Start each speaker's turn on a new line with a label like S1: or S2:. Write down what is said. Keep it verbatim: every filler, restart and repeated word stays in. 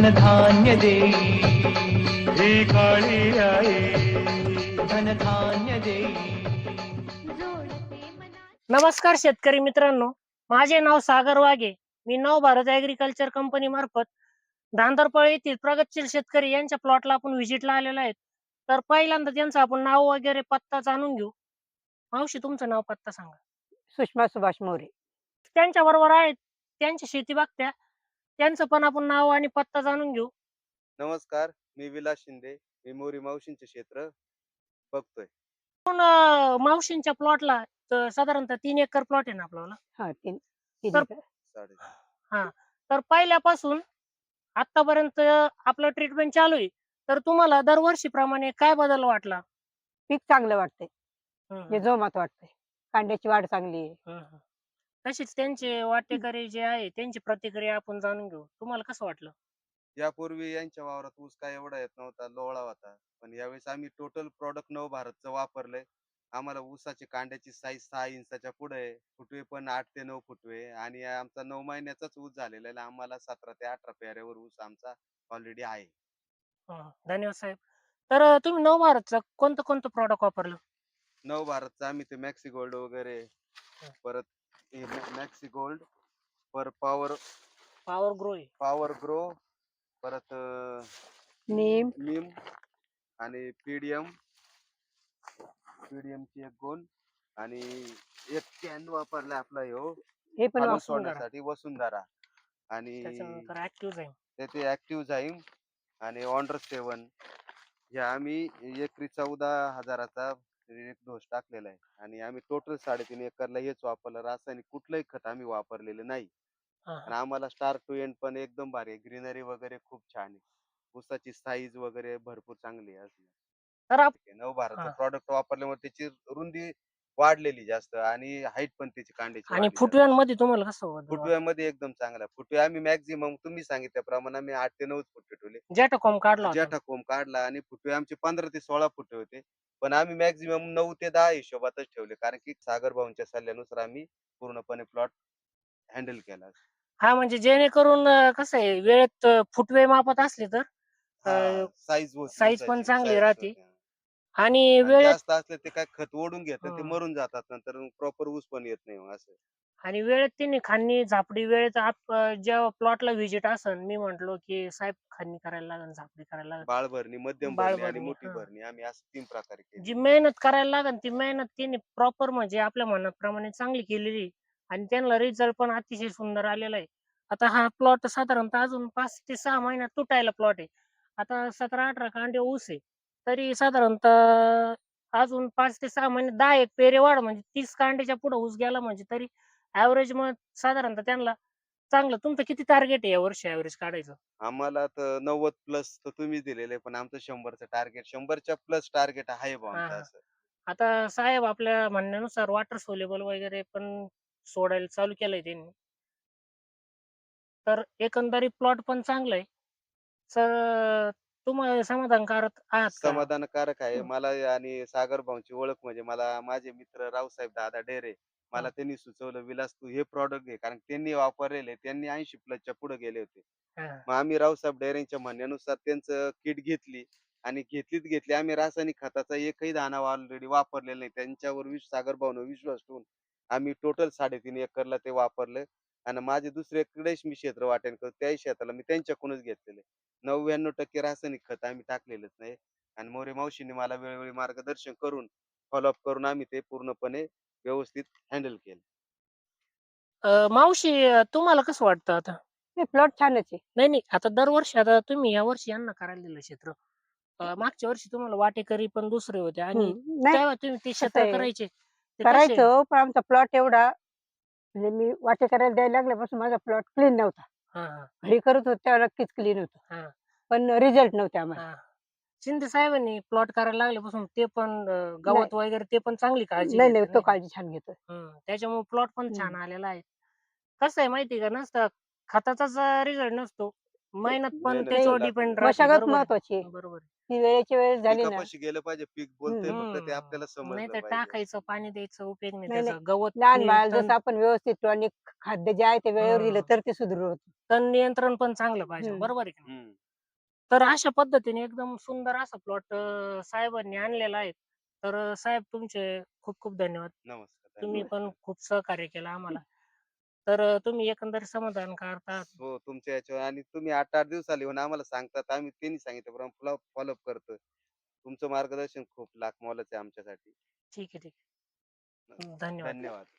S1: धनधान्य देई
S2: ही काळी आई
S1: धनधान्य देई.
S3: नमस्कार शेतकरी मित्रांनो, माझे नाव सागर वाघे. मी नव भारत ऍग्रीकल्चर कंपनी मार्फत धांदरपळ येथील प्रगतशील शेतकरी यांच्या प्लॉटला आपण व्हिजिटला आलेलो आहेत. तर पहिल्यांदा त्यांचं आपण नाव वगैरे पत्ता जाणून घेऊ. मावशी, तुमचं नाव पत्ता सांगा.
S4: सुषमा सुभाष मोरे.
S3: त्यांच्या बरोबर आहेत, त्यांची शेती बघत्या, त्यांचं पण आपण नाव आणि पत्ता जाणून घेऊ.
S5: नमस्कार, मी विलास शिंदे. मी मोरी मावशींचे क्षेत्र बघतोय.
S3: पण अं, मावशींच्या प्लॉटला साधारणतः तीन एकर प्लॉट आहे ना आपल्याला.
S4: हा तीन तीन
S3: तर-
S4: एकर.
S5: साडे
S3: हा, तर पहिल्यापासून आतापर्यंत आपलं ट्रीटमेंट चालू आहे. तर तुम्हाला दरवर्षीप्रमाणे काय बदल वाटला?
S4: पीक चांगलं वाटतंय,
S3: हं,
S4: जे जोमात वाटतंय. कांद्याची वाढ चांगली आहे.
S3: हं, हं. तशीच त्यांचे वाटेकरी जे आहे त्यांची प्रतिक्रिया आपण जाणून घेऊ. तुम्हाला कसं वाटलं?
S5: यापूर्वी यांच्या वावरात ऊस काय एवढा येत नव्हता, लोळा होता. पण यावेळेस आम्ही टोटल प्रॉडक्ट नव भारतचं वापरलंय. आम्हाला ऊसाची कांड्याची साईज सहा इंचाच्या पुढे आहे. फुटवे पण आठ ते नऊ फुटवे आणि आमचा नऊ महिन्याचाच ऊस झालेला आहे. आम्हाला सतरा ते अठरा पेऱ्यावर ऊस आमचा ऑलरेडी आहे.
S3: हं, धन्यवाद साहेब. तर अं, तुम्ही नव भारतचं कोणतं कोणतं प्रॉडक्ट वापरलं?
S5: नव भारतचा आम्ही ते मॅक्सी गोल्ड वगैरे, परत हे मॅक्सी गोल्ड, पर पॉवर
S3: पॉवर ग्रो आहे.
S5: पॉवर ग्रो, परत अं,
S4: नीम
S5: नीम आणि पीडीएम पीडीएम ची एक गोण आणि एक कॅन वापरला आपला ह्यो
S4: हे पण
S5: खालून
S4: वापर-
S5: सोडण्यासाठी वसुंधरा आणि
S3: त्याच्यानंतर ऍक्टिव्ह आहे.
S5: त्याचे ऍक्टिव्ह जाईम आणि ऑन्डर सेवन हे आम्ही एकरी चौदा हजाराचा एक डोस टाकलेला आहे. आणि आम्ही टोटल साडेतीन एकरला हेच वापरलं. रासायनिक कुठलंही खत आम्ही वापरलेलं नाही.
S3: हा,
S5: आणि आम्हाला स्टार्ट टू एंड पण एकदम भारी आहे. ग्रीनरी वगैरे खूप छान आहे. ऊसाची साईज वगैरे भरपूर चांगली आहे. असं
S3: तर आप-
S5: नव भारतचं
S3: हा.
S5: प्रॉडक्ट वापरल्यामुळे त्याची रुंदी वाढलेली जास्त आणि हाईट पण त्याची कांड्याची
S3: आणि
S5: वाढली जास्त.
S3: फुटव्यांमध्ये तुम्हाला कसं वाटलं?
S5: फुटव्यामध्ये एकदम चांगला फुटवे आम्ही मॅक्झिमम तुम्ही सांगितल्याप्रमाणे आम्ही आठ ते नऊ फुटवे ठेवले.
S3: जेटाकॉम काढला होता.
S5: जेठा कोंब काढला आणि फुटवे आमचे पंधरा ते सोळा फुटवे होते. पण आम्ही मॅक्झिमम नऊ ते दहा हिशोबातच ठेवले, कारण की सागर भाऊंच्या सल्ल्यानुसार आम्ही पूर्णपणे प्लॉट हँडल केला.
S3: हा, म्हणजे जेणेकरून अं, कसं आहे, वेळेत अं, फुटवे मापत असले तर अं,
S5: साईज
S3: size पण चांगली राहते. आणि वेळेत
S5: जास्त असले ते काय खत ओढून घेतात, ते
S3: हं.
S5: मरून जातात नंतर प्रॉपर ऊस पण येत नाही मग असं.
S3: आणि वेळेत त्यांनी खांनी झापडी वेळेत आप अं, जेव्हा प्लॉटला व्हिजिट असन, मी म्हंटलो की साहेब खांनी करायला लागेल, झापडी करायला लागेल,
S5: बाळ भरणी, मध्यम
S3: बाळ
S5: भरणी आणि
S3: भरणी,
S5: मोठी
S3: हा.
S5: भरणी आम्ही असं तीन प्रकारे
S3: जी
S5: केली.
S3: मेहनत करायला लागेल ती मेहनत त्यांनी प्रॉपर म्हणजे आपल्या मनाप्रमाणे चांगली केलेली आहे. आणि त्यांना रिझल्ट पण अतिशय सुंदर आलेला आहे. आता हा प्लॉट साधारणतः अजून पाच ते सहा महिन्यात तुटायला प्लॉट आहे. आता सतरा अठरा कांडे ऊस आहे, तरी साधारणतः अजून पाच ते सहा महिने दहा एक पेरे वाढ म्हणजे तीस कांड्याच्या पुढे ऊस गेला म्हणजे तरी ऍव्हरेज मग साधारणतः त्यांना चांगलं. तुमचं किती टार्गेट आहे या वर्षी ऍव्हरेज काढायचं?
S5: आम्हाला तर नव्वद प्लस तर तुम्ही दिलेले, पण आमचं शंभरचं टार्गेट, शंभरच्या प्लस टार्गेट आहे बा
S3: हा,
S5: आमचं
S3: हा.
S5: असं.
S3: आता साहेब आपल्या म्हणण्यानुसार वॉटर सोलेबल वगैरे पण सोडायला चालू केलंय त्यांनी. तर एकंदरीत प्लॉट पण चांगला आहे. सर, तुम्हाला समाधानकारक आहात का?
S5: समाधानकारक आहे
S3: हं.
S5: मला. आणि सागर भाऊंची ओळख म्हणजे मला माझे मित्र रावसाहेब दादा डेरे, मला
S3: हा.
S5: त्यांनी सुचवलं, विलास तू हे प्रॉडक्ट घे, कारण त्यांनी वापरलेले, त्यांनी ऐंशी प्लसच्या पुढे गेले होते.
S3: हा.
S5: मग आम्ही रावसाहेब डेरेंच्या म्हणण्यानुसार त्यांचं किट घेतली आणि घेतलीच घेतली. आम्ही रासायनिक खताचा एकही दाणा ऑलरेडी वापरलेला नाही. त्यांच्यावर विश सागर भाऊन विश्वास ठेवून आम्ही टोटल साडेतीन एकरला ते वापरलं. आणि माझे दुसऱ्याकडेच मी क्षेत्र वाटेल करतो, त्याही क्षेत्राला मी त्यांच्याकडूनच घेतलेले. नव्याण्णव टक्के रासायनिक खत आम्ही टाकलेलंच नाही. आणि मोरे मावशीने मला वेळोवेळी मार्गदर्शन करून फॉलोअप करून आम्ही ते पूर्णपणे व्यवस्थित हँडल केलं.
S3: अं, मावशी, अं, तुम्हाला कसं वाटतं आता?
S4: नाही, प्लॉट छानच आहे.
S3: नाही नाही, आता दरवर्षी आता तुम्ही या वर्षी यांना करायला दिलं क्षेत्र. अं, मागच्या वर्षी तुम्हाला वाटेकरी पण दुसरे होते आणि
S4: हम्म. नाही,
S3: तेव्हा तुम्ही ते
S4: कसं
S3: क्षेत्र
S4: आहे,
S3: करायचे ते कसे?
S4: करायचो, पण आमचा प्लॉट एवढा म्हणजे मी वाटे करायला द्यायला लागल्यापासून माझा प्लॉट क्लीन नव्हता.
S3: हा, हा,
S4: घरी करत होते तेव्हा नक्कीच क्लीन होतो,
S3: हा,
S4: पण रिझल्ट नव्हते आम्हाला.
S3: हा. शिंदे साहेबांनी प्लॉट करायला लागल्यापासून ते पण अं, गवत वगैरे ते पण चांगली काळजी
S4: नाही
S3: घेतात,
S4: नाही, तो
S3: नाही का?
S4: काळजी छान घेतोय.
S3: हं, त्याच्यामुळे प्लॉट पण छान
S4: हम्म.
S3: आलेला आहे. कसं आहे माहिती का, नसतं खताचाच रिझल्ट नसतो, मेहनत पण
S5: मेहनत
S3: त्याच्यावर
S5: लागते.
S3: डिपेंड राहते.
S4: मशागत
S3: बरोबर आहे.
S4: महत्वाची आहे.
S3: बरोबर आहे.
S4: ती वेळेची वेळ झाली ना.
S5: पिकापाशी गेलं पाहिजे. पीक बोलतंय
S4: हम्म.
S5: फक्त ते आपल्याला
S3: हम्म. नाही
S5: समजलं
S3: तर
S5: पाहिजे.
S3: टाकायचं पाणी द्यायचं उपयोग नाही
S4: नाही,
S3: त्याचा गवत
S4: लहान
S3: नि-
S4: बाळाला
S3: तण
S4: जसं आपण व्यवस्थित टॉनिक खाद्य जे आहे ते वेळेवर दिलं
S3: हम्म.
S4: तर ते सुदृढ होतं.
S3: तण नियंत्रण पण चांगलं पाहिजे
S4: हम्म.
S3: बरोबर आहे की नाही?
S5: हम्म.
S3: तर अशा पद्धतीने एकदम सुंदर असा प्लॉट साहेबांनी आणलेला आहे. तर अं, साहेब तुमचे खूप खूप धन्यवाद.
S5: नमस्कार.
S3: तुम्ही
S5: धन्यवाद.
S3: पण खूप सहकार्य केलं आम्हाला. तर अं, तुम्ही एकंदरीत समाधान करतात.
S5: हो, तुमच्या याच्यावर आणि तुम्ही आठ आठ दिवसाला येऊन आम्हाला सांगतात. आम्ही त्यांनी सांगितल्याप्रमाणे फॉलोअप करतो. तुमचं मार्गदर्शन खूप लाख मोलाचं आहे आमच्यासाठी.
S3: ठीक आहे ठीक आहे. धन्यवाद.
S5: धन्यवाद.